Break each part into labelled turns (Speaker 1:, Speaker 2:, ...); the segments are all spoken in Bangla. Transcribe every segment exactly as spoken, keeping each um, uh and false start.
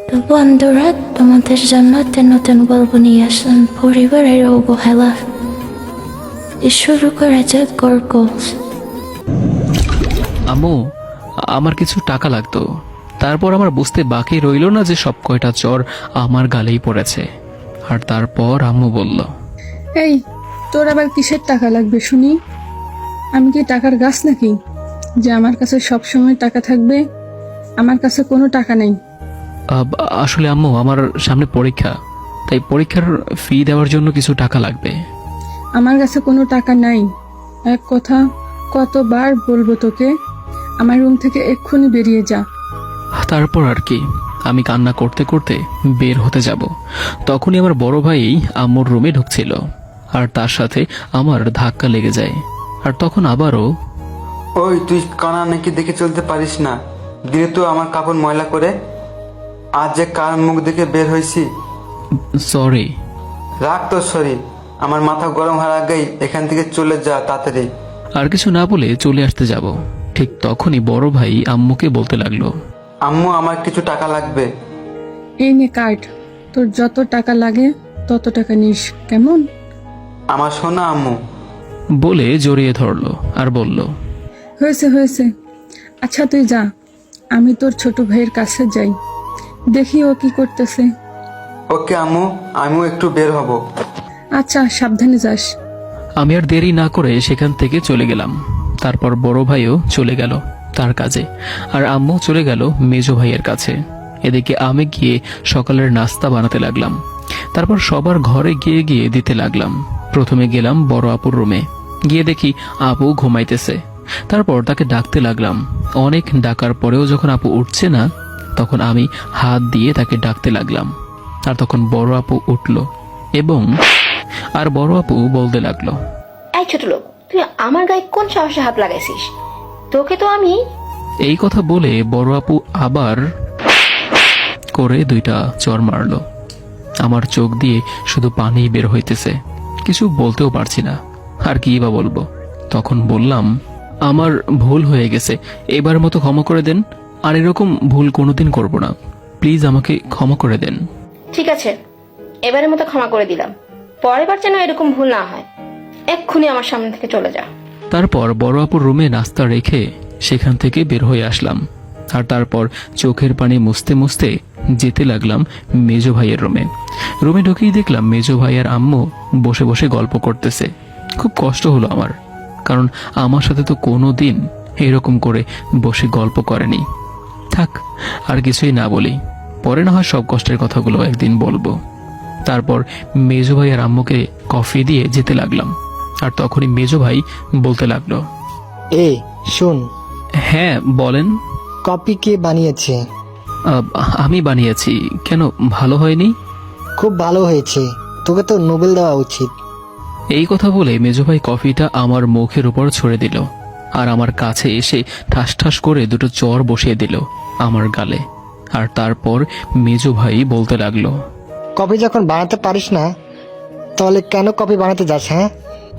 Speaker 1: তো বন্ধুরা, তোমাদের জন্য নতুন নতুন গল্প নিয়ে আসলাম পরিবারের অবহেলা। শুরু করা যাক গল্প।
Speaker 2: আম্মু, আমার কিছু টাকা লাগতো। তারপর আমার বুঝতে বাকি রইল না যে সব কয়টা চর আমার গালেই পড়েছে। আর তারপর আম্মু বলল,
Speaker 3: এই, তোর আবার কিসের টাকা লাগবে শুনি? আমি কি টাকার গাছ নাকি যে আমার কাছে সব সময় টাকা থাকবে? আমার কাছে কোনো টাকা নেই।
Speaker 2: "আব, আসলে আম্মু, আমার সামনে পরীক্ষা, তাই পরীক্ষার ফি দেওয়ার জন্য কিছু টাকা লাগবে।"
Speaker 3: আমার কাছে কোনো টাকা নাই। এক কথা কতবার বলবো তোকে? আমার রুম থেকে এক্ষুনি বেরিয়ে যা।
Speaker 2: তারপর আর কি, আমি কান্না করতে করতে বের হতে যাব, তখনই আমার বড় ভাই আম্মুর রুমে ঢুকছিল, আর তার সাথে আমার ধাক্কা লেগে যায়। আর তখন আবারও,
Speaker 4: ওই তুই কানা নাকি দেখে চলতে পারিস না? দিলে তো আমার কাপড় ময়লা করে। আজ যে কার মুখ দেখে বের হয়েছি।
Speaker 2: সরি।
Speaker 4: রাখ তোর শরীর, আমার মাথা গরম হওয়ার আগেই এখান থেকে চলে যা তাড়াতাড়ি।
Speaker 2: আর কিছু না বলে চলে আসতে যাব, ঠিক তখনই বড় ভাই আম্মুকে বলতে লাগলো,
Speaker 4: আম্মু, আমার কিছু টাকা লাগবে।
Speaker 3: এই নে কার্ড, তোর যত টাকা লাগে তত টাকা নিস, কেমন?
Speaker 4: আমার সোনা আম্মু।
Speaker 2: বলে জড়িয়ে ধরলো আর বলল,
Speaker 3: হয়েছে হয়েছে, আচ্ছা তুই যা, আমি তোর ছোট ভাইয়ের কাছে যাই, দেখি ও কি করতেছে।
Speaker 4: ওকে আম্মু, আমিও একটু বের হব।
Speaker 3: আচ্ছা, সাবধানে যাস।
Speaker 2: আমি আর দেরি না করে সেখান থেকে চলে গেলাম। তারপর বড় ভাইও চলে গেল তার কাজে, আর আম্মু চলে গেল মেজো ভাইয়ের কাছে। এদিকে আমি গিয়ে সকালের নাস্তা বানাতে লাগলাম। তারপর সবার ঘরে গিয়ে গিয়ে দিতে লাগলাম। প্রথমে গেলাম বড় আপুর রুমে, গিয়ে দেখি আপু ঘুমাইতেছে। তারপর তাকে ডাকতে লাগলাম। অনেক ডাকার পরেও যখন আপু উঠছে না, তখন আমি হাত দিয়ে তাকে ডাকতে লাগলাম। আর তখন বড় আপু উঠল এবং আর বড় আপু বলতে লাগলো,
Speaker 5: এই ছোট লোক, তুই আমার গায়ে কোন সাহসে হাত লাগাইছিস? তোকে তো আমি।
Speaker 2: এই কথা বলে বড় আপু আবার করে দুইটা চর মারলো। আমার চোখ দিয়ে শুধু পানি বের হইতেছে, কিছু বলতেও পারছি না। আর কি বা বলবো? তখন বললাম, আমার ভুল হয়ে গেছে, এবার মতো ক্ষমা করে দেন। আর এরকম ভুল কোনোদিন করব না, প্লিজ আমাকে ক্ষমা করে দেন।
Speaker 5: ঠিক আছে, এবারের মতো ক্ষমা করে দিলাম, পরের বার যেন এরকম ভুল না হয়। এক্ষুনি আমার সামনে থেকে চলে যা।
Speaker 2: তারপর বড় আপুর রুমে নাস্তা রেখে সেখান থেকে বের হয়ে আসলাম। আর তারপর চোখের পানি মুছতে মুছতে যেতে লাগলাম মেজো ভাইয়ের রুমে। রুমে ঢুকেই দেখলাম মেজো ভাই আর আম্মু বসে বসে গল্প করতেছে। খুব কষ্ট হলো আমার, কারণ আমার সাথে তো কোনো দিন এরকম করে বসে গল্প করেনি। থাক, আর কিছুই না বলি, পরে না হয় সব কষ্টের কথাগুলো একদিন বলবো। তারপর মেজো ভাই আর আম্মুকে কফি দিয়ে যেতে লাগলাম। আর তখনই মেজো ভাই বলতে লাগলো,
Speaker 6: এই শোন,
Speaker 2: হ্যাঁ বলেন।
Speaker 6: কপি কে বানিয়েছে?
Speaker 2: আহ, আমি বানিয়েছি। কেন, ভালো হয়নি?
Speaker 6: খুব ভালো হয়েছে, তোকে তো নোবেল দেওয়া উচিত।
Speaker 2: এই কথা বলে মেজো ভাই কফিটা আমার মুখের উপর ছড়ে দিল, আর আমার কাছে এসে ঠাস ঠাস করে দুটো চর বসিয়ে দিল আমার গালে। আর তারপর মেজো ভাই বলতে লাগলো,
Speaker 6: কপি যখন বানাতে পারিস না, তাহলে কেন কপি বানাতে যাস? হ্যাঁ,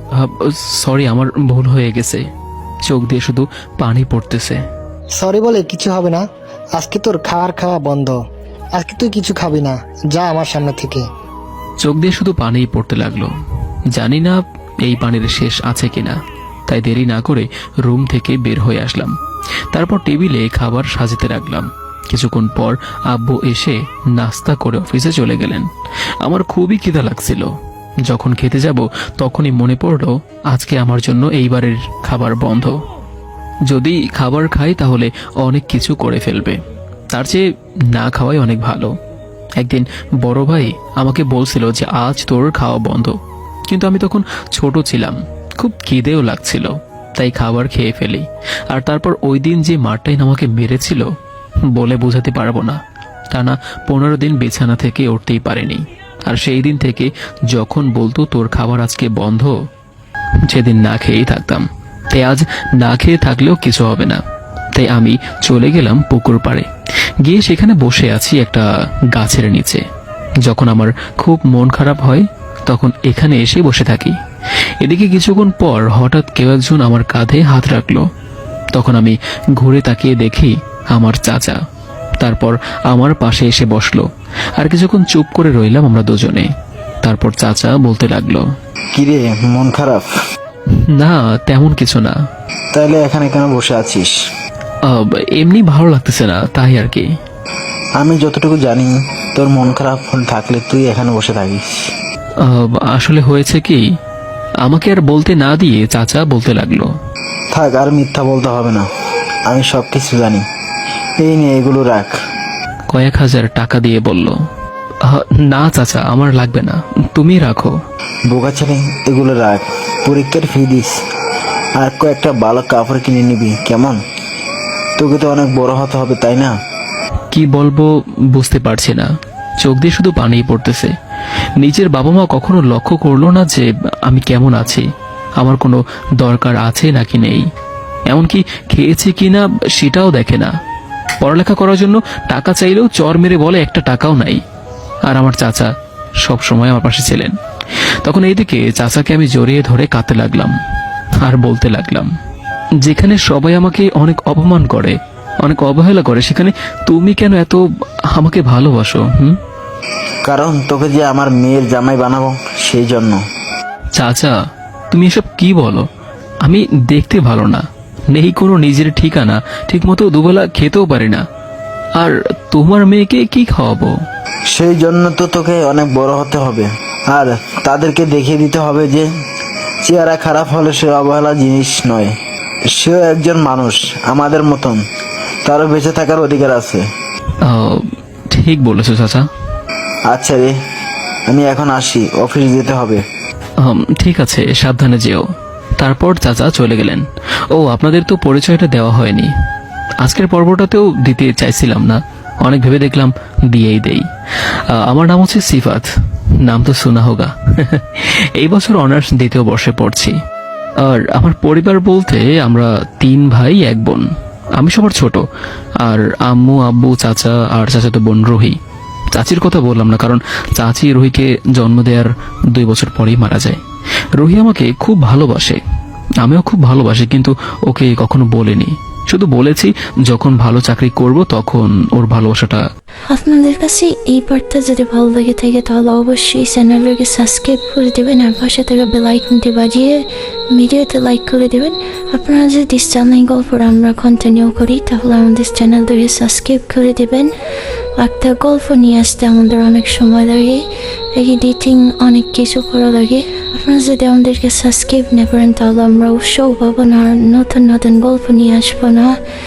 Speaker 2: সরি, আমার ভুল হয়ে গেছে। চোখ দিয়ে শুধু পানি পড়তেছে।
Speaker 6: সরি বলে কিছু হবে না, আজকে তোর খাওয়ার খাওয়া বন্ধ। আজকে তুই কিছু খাবি না, যা আমার সামনে থেকে।
Speaker 2: চোখ দিয়ে শুধু পানিই পড়তে লাগলো। জানি না এই পানির শেষ আছে কিনা, তাই দেরি না করে রুম থেকে বের হয়ে আসলাম। তারপর টেবিলে খাবার সাজাতে লাগলাম। কিছুক্ষণ পর আব্বু এসে নাস্তা করে অফিসে চলে গেলেন। আমার খুবই খিদা লাগছিল। যখন খেতে যাব তখনই মনে পড়লো আজকে আমার জন্য এইবারের খাবার বন্ধ। যদি খাবার খাই তাহলে অনেক কিছু করে ফেলবে, তার চেয়ে না খাওয়াই অনেক ভালো। একদিন বড় ভাই আমাকে বলছিল যে আজ তোর খাওয়া বন্ধ, কিন্তু আমি তখন ছোট ছিলাম, খুব খিদেও লাগছিল, তাই খাবার খেয়ে ফেলি। আর তারপর ওই দিন যে মারটাই আমাকে মেরেছিল বলে বোঝাতে পারবো না। টানা পনেরো দিন বিছানা থেকে উঠতেই পারেনি। আর সেই দিন থেকে যখন বলতো তোর খাবার আজকে বন্ধ, সেদিন না খেয়েই থাকতাম। তাই আজ না খেয়ে থাকলেও কিছু হবে না, তাই আমি চলে গেলাম পুকুর পাড়ে। গিয়ে সেখানে বসে আছি একটা গাছের নিচে। যখন আমার খুব মন খারাপ হয় তখন এখানে এসে বসে থাকি। এদিকে কিছুক্ষণ পর হঠাৎ কেউ একজন আমার কাঁধে হাত রাখলো। তখন আমি ঘুরে তাকিয়ে দেখি আমার চাচা। তারপর আমার পাশে এসে বসলো। আর কিছুক্ষণ চুপ করে রইলাম আমরা দুজনে। তারপর চাচা বলতে লাগলো,
Speaker 7: কিরে, মন খারাপ?
Speaker 2: না তেমন কিছু না,
Speaker 7: তাহলে এখানে কেন বসে আছিস?
Speaker 2: আহ, এমনি ভালো লাগতেছে না তাই আর কি।
Speaker 7: আমি যতটুকু জানি তোর মন খারাপ থাকলে তুই এখানে বসে থাকিস।
Speaker 2: আহ, আসলে হয়েছে কি, আমাকে আর বলতে না দিয়ে চাচা বলতে লাগলো,
Speaker 7: থাক, আর মিথ্যা বলতে হবে না, আমি সব কিছু জানি। এই নে, এগুলো রাখ।
Speaker 2: কয়েক হাজার টাকা দিয়ে বলল, আহ, না চাচা আমার লাগবে না, তুমি রাখো।
Speaker 7: বোকা ছেলে, এগুলো রাখ, পরীক্ষার ফি দিস আর কয়েকটা ভালো কাপড় কিনে নিবি, কেমন? তোকে তো অনেক বড় হতে হবে, তাই না?
Speaker 2: কি বলবো বুঝতে পারছি না, চোখ দিয়ে শুধু পানিই পড়তেছে। নিজের বাবা মা কখনো লক্ষ্য করলো না যে আমি কেমন আছি, আমার কোনো দরকার আছে নাকি নেই, এমনকি খেয়েছি কিনা সেটাও দেখে না। পড়ালেখা করার জন্য টাকা চাইলেও চর মেরে বলে একটা টাকাও নাই। আর আমার চাচা সব সময় আমার পাশে ছিলেন। তখন এইদিকে চাচাকে আমি জড়িয়ে ধরে কাঁদতে লাগলাম আর বলতে লাগলাম, যেখানে সবাই আমাকে অনেক অপমান করে, অনেক অবহেলা করে, সেখানে তুমি কেন এত আমাকে ভালোবাসো? হুম
Speaker 7: কারণ তোকে যে আমার মেয়ের জামাই বানাবো, সেই জন্য।
Speaker 2: চাচা তুমি এসব কি বলো? আমি দেখতে ভালো না, নেই কোনো নিজের ঠিকানা, ঠিক মতো দুবেলা খেতেও পারি না, আর তোমার মেয়েকে কি খাওয়াবো?
Speaker 7: সেই জন্য তো তোকে অনেক বড় হতে হবে, আর তাদেরকে দেখিয়ে দিতে হবে যে চেহারা খারাপ হলে সে অবহেলা জিনিস নয়, সেও একজন মানুষ আমাদের মতন, তারও বেঁচে থাকার অধিকার আছে।
Speaker 2: আহ, ঠিক বলেছো চাচা।
Speaker 7: আচ্ছা রে, আমি এখন আসি, অফিস যেতে হবে।
Speaker 2: হুম, ঠিক আছে, সাবধানে যেও। তারপর চাচা চলে গেলেন। ও, আপনাদের তো পরিচয়টা দেওয়া হয়নি। আজকের পর্বটাতেও দিতে চাইছিলাম না, অনেক ভেবে দেখলাম দিয়েই দেই। আহ, আমার নাম হচ্ছে সিফাত, নাম তো শোনা হোগা। এই বছর অনার্স দ্বিতীয় বর্ষে পড়ছি। আর আমার পরিবার বলতে আমরা তিন ভাই এক বোন। আমি সবার ছোট, আর আম্মু আব্বু চাচা আর চাচাতো বোন রুহি। চাচির কথা বললাম না, কারণ চাচি রুহিকে জন্ম দেওয়ার দুই বছর পরেই মারা যায়। রুহি আমাকে খুব ভালোবাসে, আমিও খুব ভালোবাসি, কিন্তু ওকে কখনো বলিনি। শুধু বলেছি যখন ভালো চাকরি করব তখন ওর ভালোবাসাটা।
Speaker 1: আপনাদের কাছে এই পার্টটা যদি ভালো লেগে থাকে তাহলে অবশ্যই চ্যানেলটাকে সাবস্ক্রাইব করে দেবেন আর পাশে থেকে বেল আইকনটি বাজিয়ে ভিডিওতে লাইক করে দেবেন। আপনারা যদি চ্যানেল গল্প আমরা কন্টিনিউ করি তাহলে আমাদের চ্যানেলটাকে সাবস্ক্রাইব করে দেবেন। একটা গল্প নিয়ে আসতে আমাদের অনেক সময় লাগে, এডিটিং অনেক কিছু করা লাগে। আপনারা যদি আমাদেরকে সাবস্ক্রাইব না করেন তাহলে আমরা উৎসাহ পাবো না, আর নতুন নতুন গল্প নিয়ে আসবো না।